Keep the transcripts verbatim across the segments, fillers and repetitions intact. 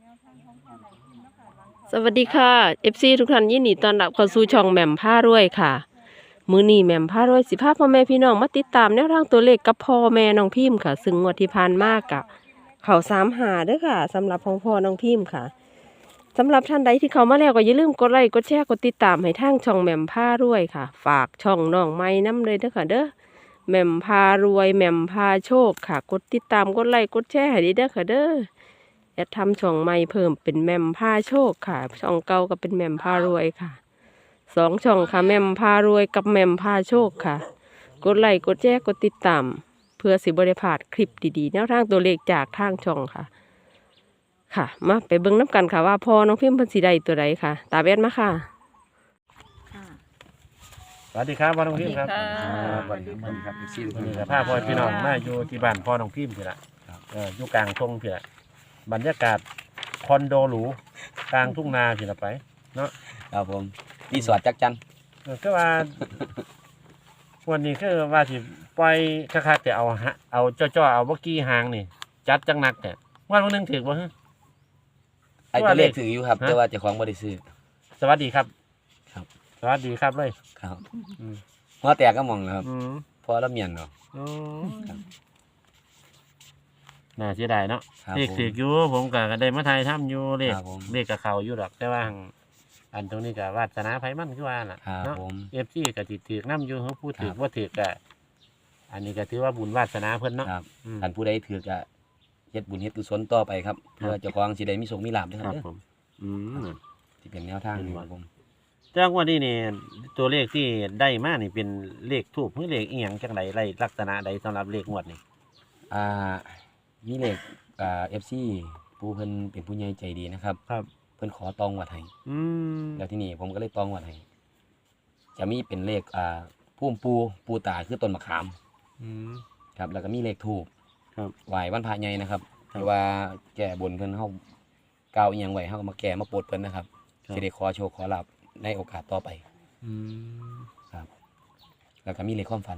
สวัสดีค่ะ เอฟ ซี ทุกท่านยินดีต้อนรับเข้าสู่ช่องแหม่มผ้ารวยค่ะมื้อนี้แหม่มผ้ารวยสิพาพ่อแม่พี่น้องมาติดตามแนวทางตัวเลขกับพ่อแม่น้องพิมพ์ค่ะซึ่งงวดที่ผ่านมากะเขาสามหาเด้อค่ะสำหรับพ่อพ่อน้องพิมพ์ค่ะสำหรับท่านใดที่เขามาแล้วก็อย่าลืมกดไลค์กดแชร์กดติดตามให้ทางช่องแหม่มผ้ารวยค่ะฝากช่องน้องไม้น้ำเลยเด้อค่ะเด้อแหม่มพารวยแหม่มพาโชคค่ะกดติดตามกดไลค์กดแชร์ให้ดีเด้อค่ะเด้อจะทำช่องใหม่เพิ่มเป็นแหม่มพาโชคค่ะช่องเก่าก็เป็นแหม่มพารวยค่ะสองช่องค่ะแหม่มพารวยกับแหม่มพาโชคค่ะกดไลค์กดแชร์กดติดตามเพื่อสิบริพลาดคลิปดีๆแนวทางตัวเลขจากทางช่องค่ะค่ะมาไปเบิ่งน้ำกันค่ะว่าพอน้องพิมพ์เพันสีใดตัวใดค่ะตาแบนมาค่ะสวัสดีครับพ่อน้องพิมพ์ครับสวัสดีสค่ะวัสดีครับพี่นี่กับพาพ่อพี่น้องมาอยู่ที่บ้านพ่อน้องพิมพ์พี่ละเอออยู่กลางทุ่งพี่ละบรรยากาศคอนโดหรูกลางทุ่งนาพี่ละไปเนาะครับผมรีสอร์ทจักจันเออก็ว่า วันนี้คือว่าสิปล่อยคักๆแต่เอาฮะเอาจ้อๆเอาบ่กี้หางนี่ จัดจังหนักแต่วันวันหนึงถือบ่ฮะไอ้ตัวเลขถืออยู่ครับฮะแต่ว่าเจ้าของบ่ได้ซื้อสวัสดีครับครับสวัสดีครับเลยครับอืมหัวแตกก็มองนะครับอืมพอละเมียนเนาะอืมครับน่าเสียดายเนาะครับเลขผมถืออยู่ผมก็ได้มาไทยทำอยู่เลขครับผมเลขกับเขาอยู่ดอกแต่ว่าหั่งอันตรงนี้ก็วาสนาไผมันคือว่าล่ะครับเนาะผมเอฟซีก็สิถือน้ำอยู่เขาพูดถือครับว่าถือก็อันนี้ก็ถือว่าบุญวาสนาเพิ่นเนาะครับอืมท่านผู้ใดถือก็เฮ็ดบุญเฮ็ดกุศลต่อไปครับครับเพื่อเจ้าของสิได้มีโชคมีลาภเด้อคครัรับบเด้อผมอืมที่เป็นแนวทางเป็นนี่วัคน รับผมแต่ว่านี่นี่ตัวเลขที่ได้มานี่เป็นเลขทูบหรือเลขอีหยังจังไดไรลักษณะใดสำหรับเลขงวดนี่อ่ามีเลขอ่า เอฟ ซี ผู้เพิ่นเป็นผู้ใหญ่ใจดีนะครับครับเพิ่นขอตองวัดให้อืมแล้วที่นี่ผมก็เลยตองวัดให้จะมีเป็นเลขอ่าพุ่มปูปูตาคือต้นมะขามอืมครับแล้วก็มีเลขทูบครับไหววันพระใหญ่นะครับครับที่ว่าแก่บนเพิ่นเฮาก้าวอีหยังไว้เฮาก็มาแก่มาโปรดเพิ่นนะครับครับสิได้ขอโชคขอลาภในโอกาสต่อไปอืมครับ แล้วก็มีเลขความฝัน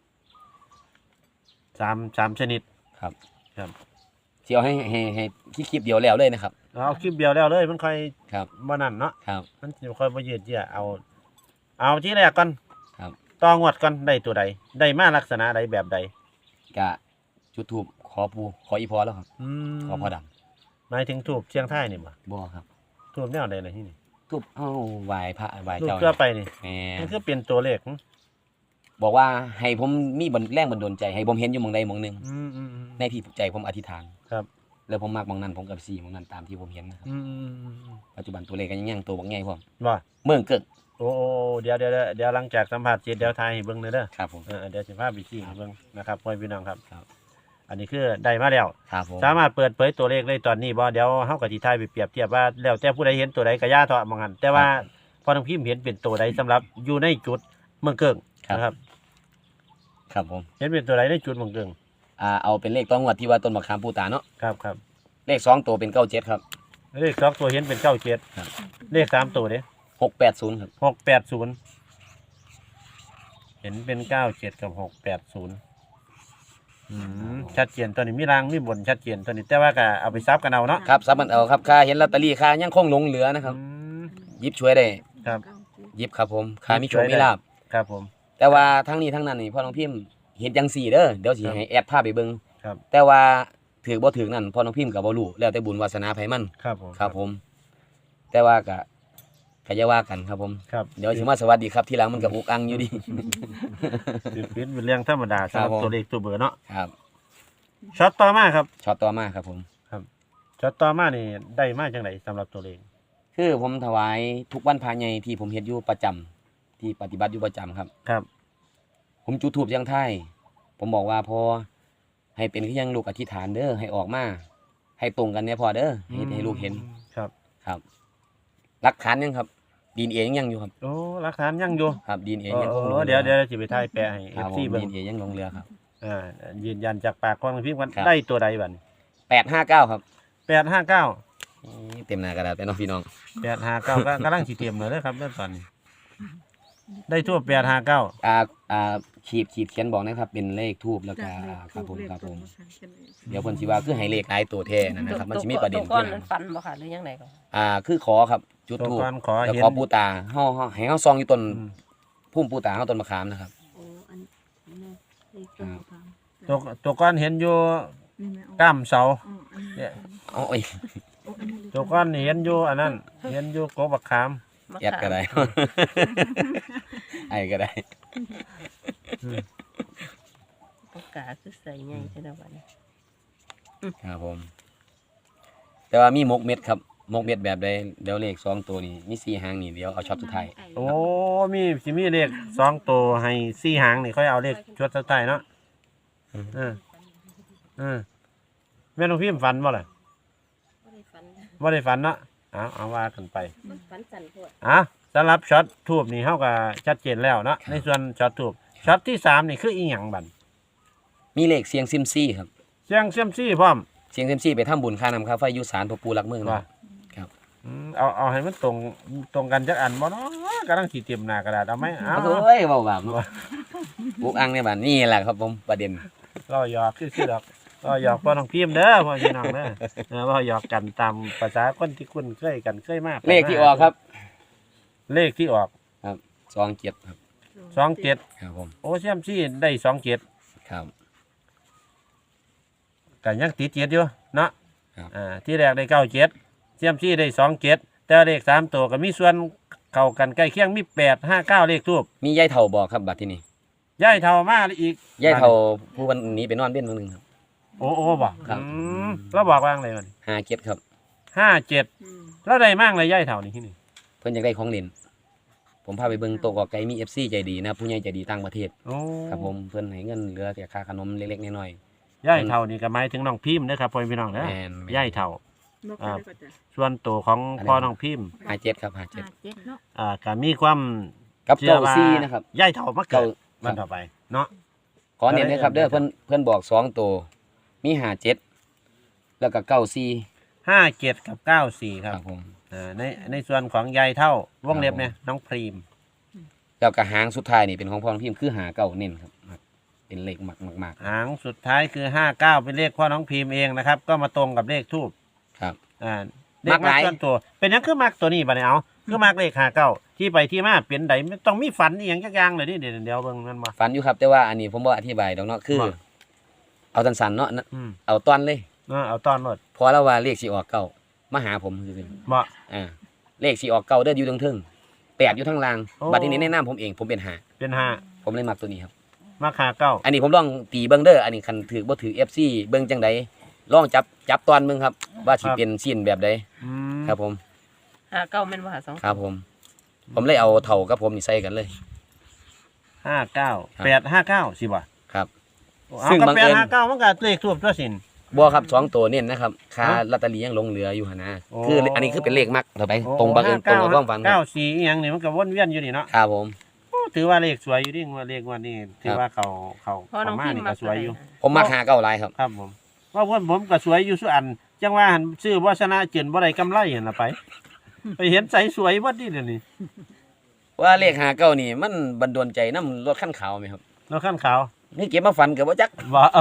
สามสามชนิดครับครับสิเอาให้ให้ให้คลิปเดียวแล้วเลยนะครับเอาคลิปเดียวแล้วเลยมันค่อยครับบ่นั่นเนาะครับมันจะค่อยบ่ยืดเยื้อเอา เอาที่แรกก่อนครับต่องวดก่อนได้ตัวใดได้มาลักษณะใดแบบใดกะจุดธูปขอปูขออีพอแล้วครับอืมขอพ่อดำหมายถึงทูบเชียงไทยนี่บ่บ่ครับทูบแนวใดล่ะที่นี่ทูบเฮาไหว้พระไหว้ทูบเจ้าเพื่อไปนี่แหมมันคือเป็นตัวเลขหึบอกว่าให้ผมมีบันแรงบันดาลใจให้ผมเห็นอยู่หม่องใดหม่องหนึงอืมอืมอืมในที่ใจผมอธิษฐานครับแล้วผมมักหม่องนั้นผมกับสี่หม่องนั้นตามที่ผมเห็นนะครับอืมอืมอืมอืมปัจจุบันตัวเลขก็ยังยังตัวบักใหญ่พร้อมว่าเมืองเกิดโอ้โอ้เดี๋ยวเดี๋ยวเดี๋ยวเดี๋ยวหลังจากสัมภาษณ์เสร็จเดี๋ยวทายให้เบิ่งเลยเด้อครับผมเออเดี๋ยวสิพาไปชี้ให้เบิ่งนะครับพ่อพี่น้องครับครับอันนี้คือได้มาแล้วครับผมสามารถเปิดเผยตัวเลขได้ตอนนี้บ่เดี๋ยวเฮาก็สิทายไปเปรียบเทียบว่าแล้วแต่ผู้ใดเห็นตัวใดก็ย่าเถาะมองหันแต่ว่าพอทางพิมพ์เห็นเป็นตัวใดสำหรับอยู่ในจุดเมืองเกิงนะครับครับผมเห็นเป็นตัวใดในจุดเมืองเกิงอ่าเอาเป็นเลขต้องงวดที่ว่าต้นมะขามปูตาเนาะครับครับเลขสองตัวเป็นเก้าเจ็ดครับเลขสองตัวเห็นเป็นเก้าเจ็ดครับเลขสามตัวเด้หกแปดศูนย์ครับหกแปดศูนย์เห็นเป็นเก้าเจ็ดกับหกแปดศูนย์ชัดเจนตัวนี้มีรางมีบนชัดเจนตัวนี้แต่ว่าก็เอาไปซับกันเอาเนาะครับซับมันเอาครับค่าเห็นลอตเตอรี่ค่ายังคงหลงเหลือนะครับอืมหยิบช่วยได้ครับหยิบครับผมค่ามีโชหยิบช่ควยได้มีลาบครับผมแต่ว่าทั้งนี้ทั้งนั้นนี่พ่อน้องพิมพ์เห็นจังสี่เด้อเดี๋ยวสิครับให้แอดภาพไปเบิ่งครับแต่ว่าถือบ่ถือนั่นพ่อน้องพิมพ์ก็บ่รู้แล้วแต่บุญวาสนาไผมันครับผมครับผม แต่ว่าก็ก็อย่าว่ากันครับผมครับเดี๋ยวสิมาสวัสดีครับทีหลังมันก็อุกอังอยู่ดิสิเป็นเป็นเรื่องธรรมดาสำหรับครับผมตัวเลขตัวเบอร์เนาะครับช็อตต่อมาครับช็อตต่อมาครับผมช็อตต่อมานี่ได้มาจังไดสำหรับตัวเลขคือผมถวายทุกวันพระใหญ่ที่ผมเฮ็ดอยู่ประจำที่ปฏิบัติอยู่ประจำครับครับผมจุดธูปเสียงไทายผมบอกว่าพอให้เป็นคือยังลูกอธิษฐานเด้อให้ออกมาให้ตรงกันเนี่ยพอเด้อให้ให้ลูกเห็นครับครับหลักฐานยังครับดีเอ็นเอยังยังอยู่ครับโอ้หลักฐานยังอยู่ครับดีเอ็นเอโอ้ยังคงหลโอ้งหลือเดี๋ยวเดี๋ยวสิไปถ่ายแปะให้ครับเอฟผซีมเบิ่ดีงเอ็นเอยังหลงเรือครับอ่ายืนยันจากปากของพิมพ์ว่าครับได้ตัวใดบัดนี้แปดห้าเก้าครับแปดห้าเก้านี่เต็มหน้ากระดาษไปเน้องพี่น้องแปดห้าเก้าก็กำลังสิเตรียมเลยเด้อครับเมื่อตอนนี้ได้ทั่วแปดห้าเก้าอ่าอ่าขีดขีดเขียนบอกนะครับเป็นเลขทูบแล้วก็ครับผมครับผมเดี๋ยวเพิ่นสิว่าคือให้เลขหลายตัวแท้นั่นนะครับมันสิมีประเด็นตัวก้อนขึ้นนั้นฝันบ่ค่ะหรือยังไงก็อ่าคือขอครับจุดตัวทูบก่อนขอแล้วเห็นขอปูตาเฮาเฮาให้เฮาซองอยู่ต้นอืมพุ่มปูตาเฮาต้นมะขามนะครับโอ้อันนี้เลขต้นมะพร้าวตัวตัวก้อนเห็นอยู่นี่ไหมก้ามเสาอ๋ออันนี้เนี่ยอ๋อโอ้ยโอ้อันนี้เลขตัวก้อนนี่เห็นอยู่อันนั้นเห็นอยู่กบบักขามมะแอดขามก็ได้ ไอ้ก็ได้ปากกาคือใส่ใหญ่ใช่ไหมวันนี้ครับผม แต่ว่ามีมกเม็ดครับมกเม็ดแบบใดเดี๋ยวเลขสองตัวนี้มีสี่หางนี่เดี๋ยวเอาช็อตสุดท้ายโอ้มีสิมีเลขสองตัวให้สี่หางนี่ค่อยเอาเลขชุดสุดท้ายเนาะเออเออแม่น้องพิมพ์ฝันบ่ล่ะบ่ได้ฝันบ่ได้ฝันเนาะเอาเอาว่ากันไปมันฝันสั่นโพดอ่ะสำหรับช็อตทูบนี่เฮาก็ชัดเจนแล้วเนาะในส่วนช็อตทูบช็อตที่สามนี่คืออีหยังบัดมีเลขเสียงซิมซี่ครับเสียงเซียมซี่พร้อมเสียงซิมซี่ไปทำบุญค่าน้ำค่าไฟอยุสารพระปูรักเมืองว่านะครับอืมเอาเอาให้มันตรงตรงกันจักอันบ่เนาะกำลังสิเตรียมหน้ากระดาษเอาไหมเอาโอ้ยเบาแบบบุกอังในบ้านนี่แหละครับผมประเด็นเราหยอกซื่อๆดอกเราหยอกพ่อน้องพิมพ์เด้อพ่อพี่น้องเด้อเออเราหยอกกันตามภาษาคนที่คุ้นเคยกันเคยมากเลขที่ออกครับเลขที่ออกสองเจ็ดครับสองเจ็ดครับผมโอ้เซียมซี่ได้สองเจ็ดครับก็ยังติดเจ็ดอยู่เนาะครับอ่าที่แรกได้เก้าเจ็ดเซียมซี่ได้สองเจ็ดแต่เลขสามตัวก็มีส่วนเข้ากันใกล้เคียงมีแปดห้าเก้าเลขทูบมียายเถ่าบอกครับบัดที่นี่ย่ายเท่ามาอีกยายเถ่าผู้วันนี้ไปนอนเบี้ยนวันหนึงครับโอ้โอ้บอกครับอืมแล้วบอกว่างเลยมันห้าเจ็ดครับห้าเจ็ดอืมแล้วได้มั่งเลยย่ายเท่านี่ที่นี่เพิ่นอยากได้ของเล่นผมพาไปเบิ่งโต๊ะกอไก่มี เอฟ ซี ใจดีนะครับผู้ใหญ่ใจดีต่างประเทศโอ้ครับผมเพิ่นให้เงินเหลือแต่ค่าขนมเล็กๆน้อยย่ายเท่านี่ก็หมายถึงน้องพิมพ์นะครับพ่อพี่น้องๆนะแม่นย่ายเท่านกอ่าไปได้ก็จะส่วนตัวของพ่อน้องพิมพ์ห้าเจ็ดครับห้าเจ็ดห้าเจ็ดเนาะอ่าก็มีความกับเชื่อเก้าว่าซี่นะครับย่ายเท่ามาเกิเก้าดมันต่อไปเนาะขอเน้นนะครับเด้อเพิ่นเพิ่นบอกสองตัวมีห้าเจ็ดแล้วก็เก้าซี่ห้าเจ็ดกับเก้าสี่คครับ รับผมอ่าในในส่วนของยายเท่าวงเล็บเนี่ยน้องพรีมแล้วก็หางสุดท้ายนี่เป็นของพ่อน้องพิมพ์คือหาเก้าเน้นครับครับเป็นเลขหมักมากหางสุดท้ายคือห้าเก้าเป็นเลขพ่อน้องพิมพ์เองนะครับ ก็มาตรงกับเลขทูบๆครับอ่าเลมัขกหลายส่วนตัว เป็นหยังคือมักตัวนี้บัดนี้เอาคือมักเลขห้าเก้าที่ไปที่มาเปลี่ยนใดไม่ต้องมีฝันอหย่างจักอย่างเลยนี่เดี๋ยวเดี๋ยวเบิ่งมันมาฝันอยู่ครับแต่ว่าอันนี้ผมบ่อธิบายดอกเนาะคือว่าเอาสั้นๆเนาะนะอืมเอาตอนเลยเออเอาตอนหมดพอแล้วว่าเลขสิออกเก้ามาหาผมคือเหมาะอ่าเลขสิออกเก้าเด้ออยู่ตรงเทึงแปดอยู่ทางล่างโอ้บัดนี้ในแนะนำผมเองผมเป็นหาเป็นห้าผมเลยมักตัวนี้ครับมักห้าเก้าอันนี้ผมลองตีเบิ่งเด้ออันนี้คันถือบ่ถือ เอฟ ซี เบิ่งจังใดลองจับจับตอนเบิ่งครับ ว่าสิเป็นซีนแบบใดอืมครับผมหาเก้าแม่นว่าหาสองครับผม ผมเลยเอาเท่ากับผมนี่ใส่กันเลยห้าเก้าครับแปดห้าเก้าสิบ่ะครับเอาซึ่งกับบังแปเอิดญห้าเก้ามันก็เลขทูบตัวสินบ่ครับสองตัวเน้นนะครับค่าฮะลอตเตอรี่ยังหลงเหลืออยู่หั่นนะโอ้คืออันนี้คือเป็นเลขมักต่อไปตรงบังเอิญตรงกับความฝันคเก้ารับสี่อหย่างนี่มันก็วนเวียนอยู่นี่เนาะครับผมโอ้ถือว่าเลขสวยอยู่ดิว่าเลขงวันนี้ถือว่าเขาเขาพ่อน้องเขามาพิมนี่พ์มาก็สวยอยู่ผมมักหาเก้าหลายครับครับผมว่าเพื่อนผมก็สวยอยู่สุอัน จังว่าหันซื้อวาสนาเจินบ่ได้กำไรเห็นละไป ไปเห็นใสสวยวัดนี่เดี๋ยวนี้ว่าเลขหาเก้านี่มันบันดาลใจน้ำรถขั้นขาวไหมครับเราขั้นขาวนี่เก็บมาฝันกับว่าจักบ่เอา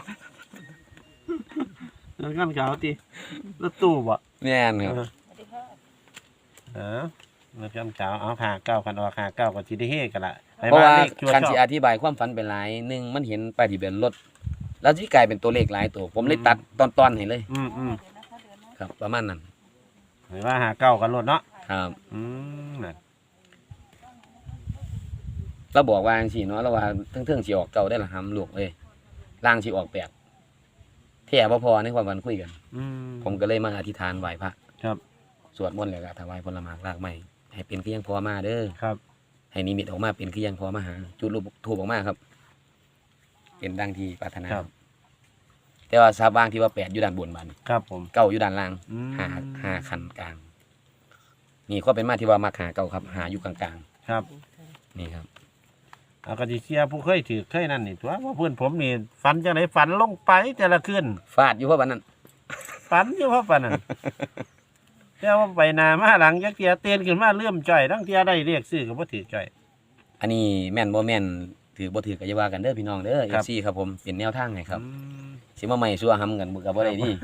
เราขั้นขาวติรถตู้บ่แม่นครับเออเราขั้นขาวเอาหาเก้ากันออกหาเก้าก็สิได้เฮกันละไปเพราะว่าเลขชัวคันชสิออบ ธิบายความฝันเป็นหลายหนึ่งมันเห็นป้ายทะเบียนรถแล้วที่กลายเป็นตัวเลขหลายตัว ผมเลยตัดตอนๆให้เลยอืมอืมครับ ประมาณนั้นหรือว่าหาเก้ากันรถเนาะครับอืมนั่นเราบอกว่าจังซี่เนาะเราว่าเทิงๆสิออกเก่าได้ละหำลูกเอ้ยล่างสิออกแปดแท้บ่พอในความฝันคุยกันอืมผมก็เลยมาอธิษฐานไหว้พระครับสวดมนต์แล้วก็ถวายผลไม้รากไม้ให้เป็นคือยังพอมาเด้อครับให้นิมิตออกมาเป็นคือยังพอมาหา จุดรูปทูบออกมาครับ เป็นดังที่ปรารถนาครับแต่ว่าทราบบ้างที่ว่าแปดอยู่ด้านบนบัดนครับผมเก้าอยู่ด้านล่างอืมหาหาคันกลาง นี่ก็เป็นมาที่ว่ามาหาเก้าครับ หาอยู่กลางครับๆนี่ครับเอากระดิเชียผู้เคยถือเคยนั่นนี่ตัวว่าเพื่อนผมนี่ฝันจังไหนฝันลงไปแต่ละคืนฟาดอยู่เพราะวันนั้นฝันอยู่เพราะฝันนั่น แต่ว่าไปหนามาหลังจักเทียเตียนขึ้นมาเลื่อมจ่อยทั้งเทียได้เรียกซื้อกับว่าถือจ่อยอันนี้แม่นบ่แม่นถือบ่ถือก็อย่าว่ากันเด้อพี่น้องเด้อครับเอฟ ซี ครับผมเป็นแนวทางให้ครับอืมสิมาใหม่ซัวหำกันบ่ก็บ่ได้นี่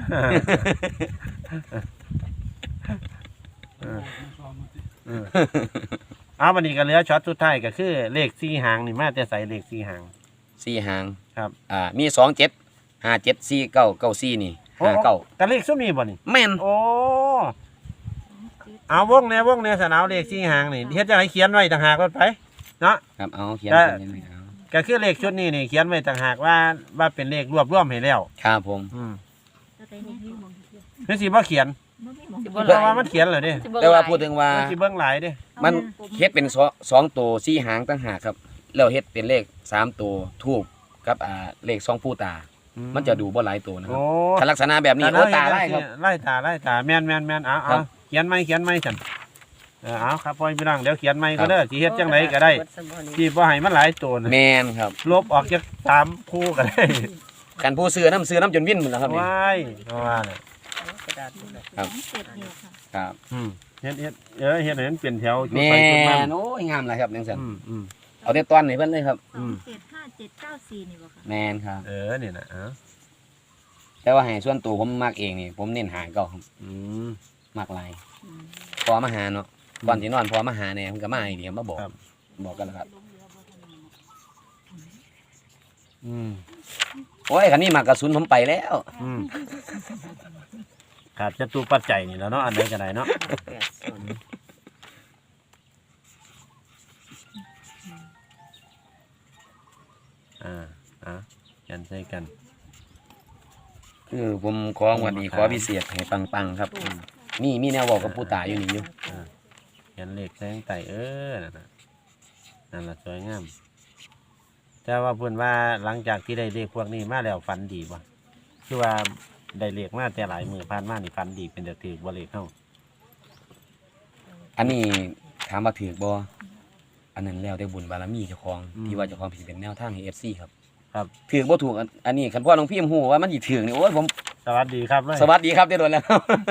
เออเออเอาวันนี้ก็เหลือช็อตสุดท้ายก็คือเลขสี่หางนี่มาแต่ใส่เลขสี่หางสี่หางครับอ่ามีสอง เจ็ด ห้า เจ็ด สี่ เก้า เก้า สี่นี่โอ้ห้า เก้ากันเลขซุมนี้บ่นี่แม่นโอ้เอาวงแนววงแนวสนาวเลขสี่หางนี่เฮ็ดจังไดเขียนไว้ต่างหากรถไปเนาะครับเอาเขียนได้เป็นยังไงเอาก็คือเลขชุดนี้นี่เขียนไว้ต่างหากว่าว่าเป็นเลขรวบรวมให้แล้วครับผมอืมแล้วแต่เนี่ยมองเที่ยวนี่สิบ่เขียนบ่มีมองสิเที่ยวบ่เพราะว่ามันเขียนเลยเด้สิเบิ่งแต่ว่าหลยพูดถึงว่ามันสิเบิ่งหลายเด้มันเฮ็ดเป็นสองสองตัวสี่หางต่างหากครับแล้วเฮ็ดเป็นเลขสามตัวทูบกับอ่าเลขสองผู้ตา มันจะดูบ่หลายตัวนะครัโอ้บถ้าลักษณะแบบนี้โอ้ตาไล่ครับไล่ตาไล่ตาแม่นแม่นแม่นเอาครัเอาบเขียนไหมเขียนไหมฉันเออเอาครับพ่อพี่น้องเดี๋ยวเขียนไหมก็เด้อสิเฮ็ดจังไดก็ได้ที่บ่ให้มันหลายตัวนะแม่นครับลบออกจากสามคู่ก็ได้คันผู้ซื้อน้ำซื้อน้ำจนวิ่นหมดแล้วครับนี่ว้ายเพราะว่าเนี่ยครับเจ็ดเนี่ยค่ะครับอืมเฮ็ดเฮ็ดเออเฮ็ดให้มันเปลี่ยนแถวจุดแม่ไปจุดมันนโอ้ยงามเลยครับจังซั่นอืมอืมเอาแต่ตอนให้เพิ่นเลยครับอืมเจ็ดห้าเจ็ดเก้าสี่นี่บ่ค่ะแม่นครับเออนี่นะเออแต่ว่าให้ส่วนตัวผมมักเองนี่ผมเน้นหาเก่าครับอืมมักหลายอืมพอมาหาเนาะก่อนสินอนพอมาหาแน่มันก็มาอีกเดียวมาบอกครับบอกกันแล้วครับอืมโอ้ยคันนี้มากระสุนผมไปแล้วอืมขาดจตุปัจจัยนี่แล้วเนาะอันไหนก็ได้เนาะอ่าอ่ากันใส่กันคือผมขอวันนี้ขอพิเศษให้ปังๆครับอืมนี่มีแนวบอกกับผู้ตายอยู่นี่อยู่ยันเหล็กแสงไต่เออนั่นน่ะนั่นละสวยงามแต่ว่าเพื่อนว่าหลังจากที่ได้เลขพวกนี้มาแล้วฝันดีบ่คือว่าได้เลขมาแต่หลายมือผ่านมานี่ฝันดีเป็นเดือดถือบ่เลขเข้าอันนี้ถามว่าถือบ่อันนั้นแล้วได้บุญบารมีเจ้าของที่ว่าเจ้าของสิเป็นแนวทางให้ เอฟ ซี ครับครับถือบ่ถูกอันอันนี้คันพ่อน้องพี่ฮู้ว่ามันสิถือนี่โอ้ยผมสวัสดีครับเลยสวัสดีครับได้โดนแล้ว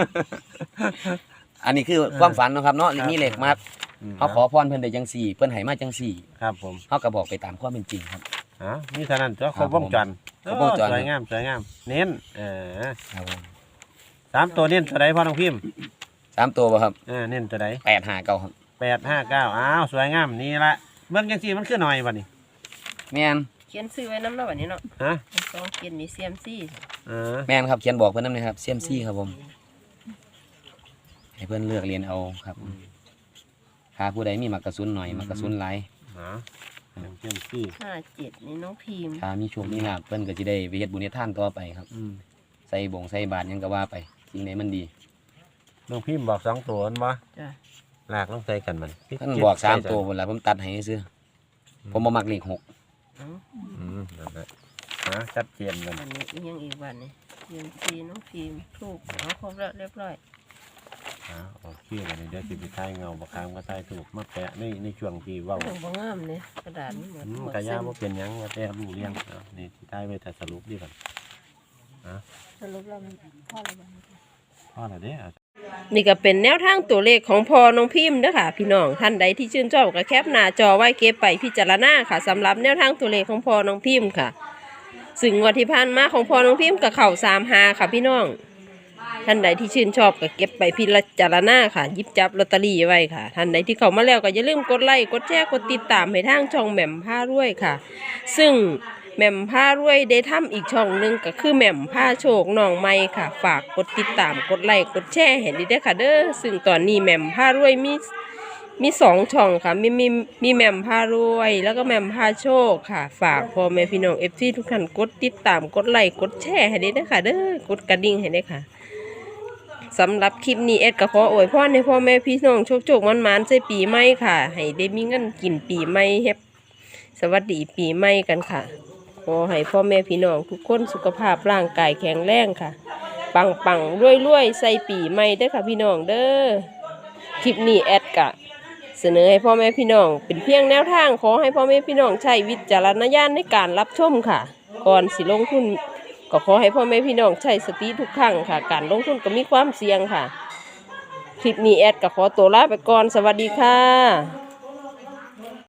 อันนี้คือความฝันเนาะครับเนาะครับมีเลขมามเฮาขอพรเพิ่นได้จังซี่เพิ่นให้มาจังซี่ครับผมเฮาก็บอกไปตามความเป็นจริงครับอ๋อนี่เท่านั้นตัวคครัรบบ วงจรครบวงจรโอ้สวยงามสวยงาม เน้นเออครับผมสามตัวเน้นตัวใดพ่อน้องพิมพ์สามตัวบ่ครับเออเน้นตัวใดแปดห้าเก้าครับแปดห้าเก้าอ้าวสวยงามนี่ละเบิ่งจังซี่มันคือหน่อยบ่นี่แม่นเขียนซื้อไว้น้ำเนาะบัดนี้เนาะฮะสองเขียนมีเซียมซี่เออแม่นครับเขียนบอกเพิ่นนำนะครับเซียมซี่ครับผม ให้เพิ่นเลือกเรียนเอาครับถ้าผู้ใดมีมักกระสุนหน่อยมักกระสุนหลายอ๋อเต็มที่ห้าเจ็ดนี่น้องพิมพ์ถ้ามีโชคมีลาภเพิ่นก็สิได้ไปเฮ็ดบุญเฮ็ดทานต่อไปครับอืมใส่บงใส่บาตรหยังก็ว่าไปสิ่งไหนมันดีน้องพิมพ์บอกสองตัวนั่นบ่จ้ะลากลงใส่กันมันเพิ่นบอกสามตัวพุ่นล่ะผมตัดให้ซื่อผมบ่มักเลขหกเอ้าอืมนั่นแหละฮะชัดเจนมันอันนี้อีกอยังอีกวันนี่เซียมซี่น้องพิมพ์ถูกเอาครบแล้วเรียบร้อยอ่าโอเคกันเดี๋ยวสิไปท้ายเงาบักคามก็ท้ายถูกมาแปะในในช่วงที่เว้าโอ้บ่งามเลยกระดาษนี่หมดอืมหมดกะยาเส้นบ่เป็นหยังว่าแต่รู้เรื่องเอานี่สิท้ายไว้แต่สรุปดีก่อนสรุปแล้วมันพ่ออะไรบ้างพอแล้วเด้อนี่ก็เป็นแนวทางตัวเลขของพอน้องพิมพ์เด้อค่ะ พี่น้องท่านใดที่ชื่นชอบก็แคปหน้าจอไว้เก็บไปพิจารณาค่ะสำหรับแนวทางตัวเลขของพอน้องพิมพ์ค่ะ ซึ่งงวดที่ผ่านมาของพอน้องพิมพ์กับเข่าสามหาค่ะพี่น้อง ท่านใดที่ชื่นชอบก็เก็บไปพิจารณาค่ะหยิบจับลอตเตอรี่ไว้ค่ะ ท่านใดที่เข้ามาแล้วก็อย่าลืมกดไลค์กดแชร์กดติดตามให้ทางช่องแหม่มผ้ารวยค่ะ ซึ่งแหม่มผ้ารวยได้ทำอีกช่องหนึ่งก็คือแหม่มผ้าโชคน้องใหม่ค่ะ ฝากกดติดตามกดไลค์กดแชร์ให้ดีด้วยค่ะเด้อซึ่งตอนนี้แหม่มผ้ารวยมีมีสองช่องค่ะมีมีมีแหม่มผ้ารวย แล้วก็แหม่มผ้าโชคค่ะ ฝากพ่อแม่พี่น้องเอฟซีทุกท่านกดติดตามกดไลค์กดแชร์ให้ดีด้วยค่ะเด้อกดกระดิ่งให้ด้วยค่ะสำหรับคลิปนี้เอ็ดก็ขออวยพรให้พ่อแม่พี่น้องโชคโชคมันมันๆใส่ปีใหม่ค่ะให้ได้มีเงินกินปีใหม่เฮ็บสวัสดีปีใหม่กันค่ะขอให้พ่อแม่พี่น้องทุกคนสุขภาพร่างกายแข็งแรงค่ะ ปังปังรวยรวยๆใส่ปีใหม่เด้อค่ะพี่น้องเด้อคลิปนี้แอดกะเสนอให้พ่อแม่พี่น้องเป็นเพียงแนวทางขอให้พ่อแม่พี่น้องใช้วิจารณญาณในการรับชมค่ะ ก่อนสิลงทุนก็ขอให้พ่อแม่พี่น้องใช้สติทุกครั้งค่ะ การลงทุนก็มีความเสี่ยงค่ะ คลิปนี้แอดก็ขอตัวลาไปก่อนสวัสดีค่ะ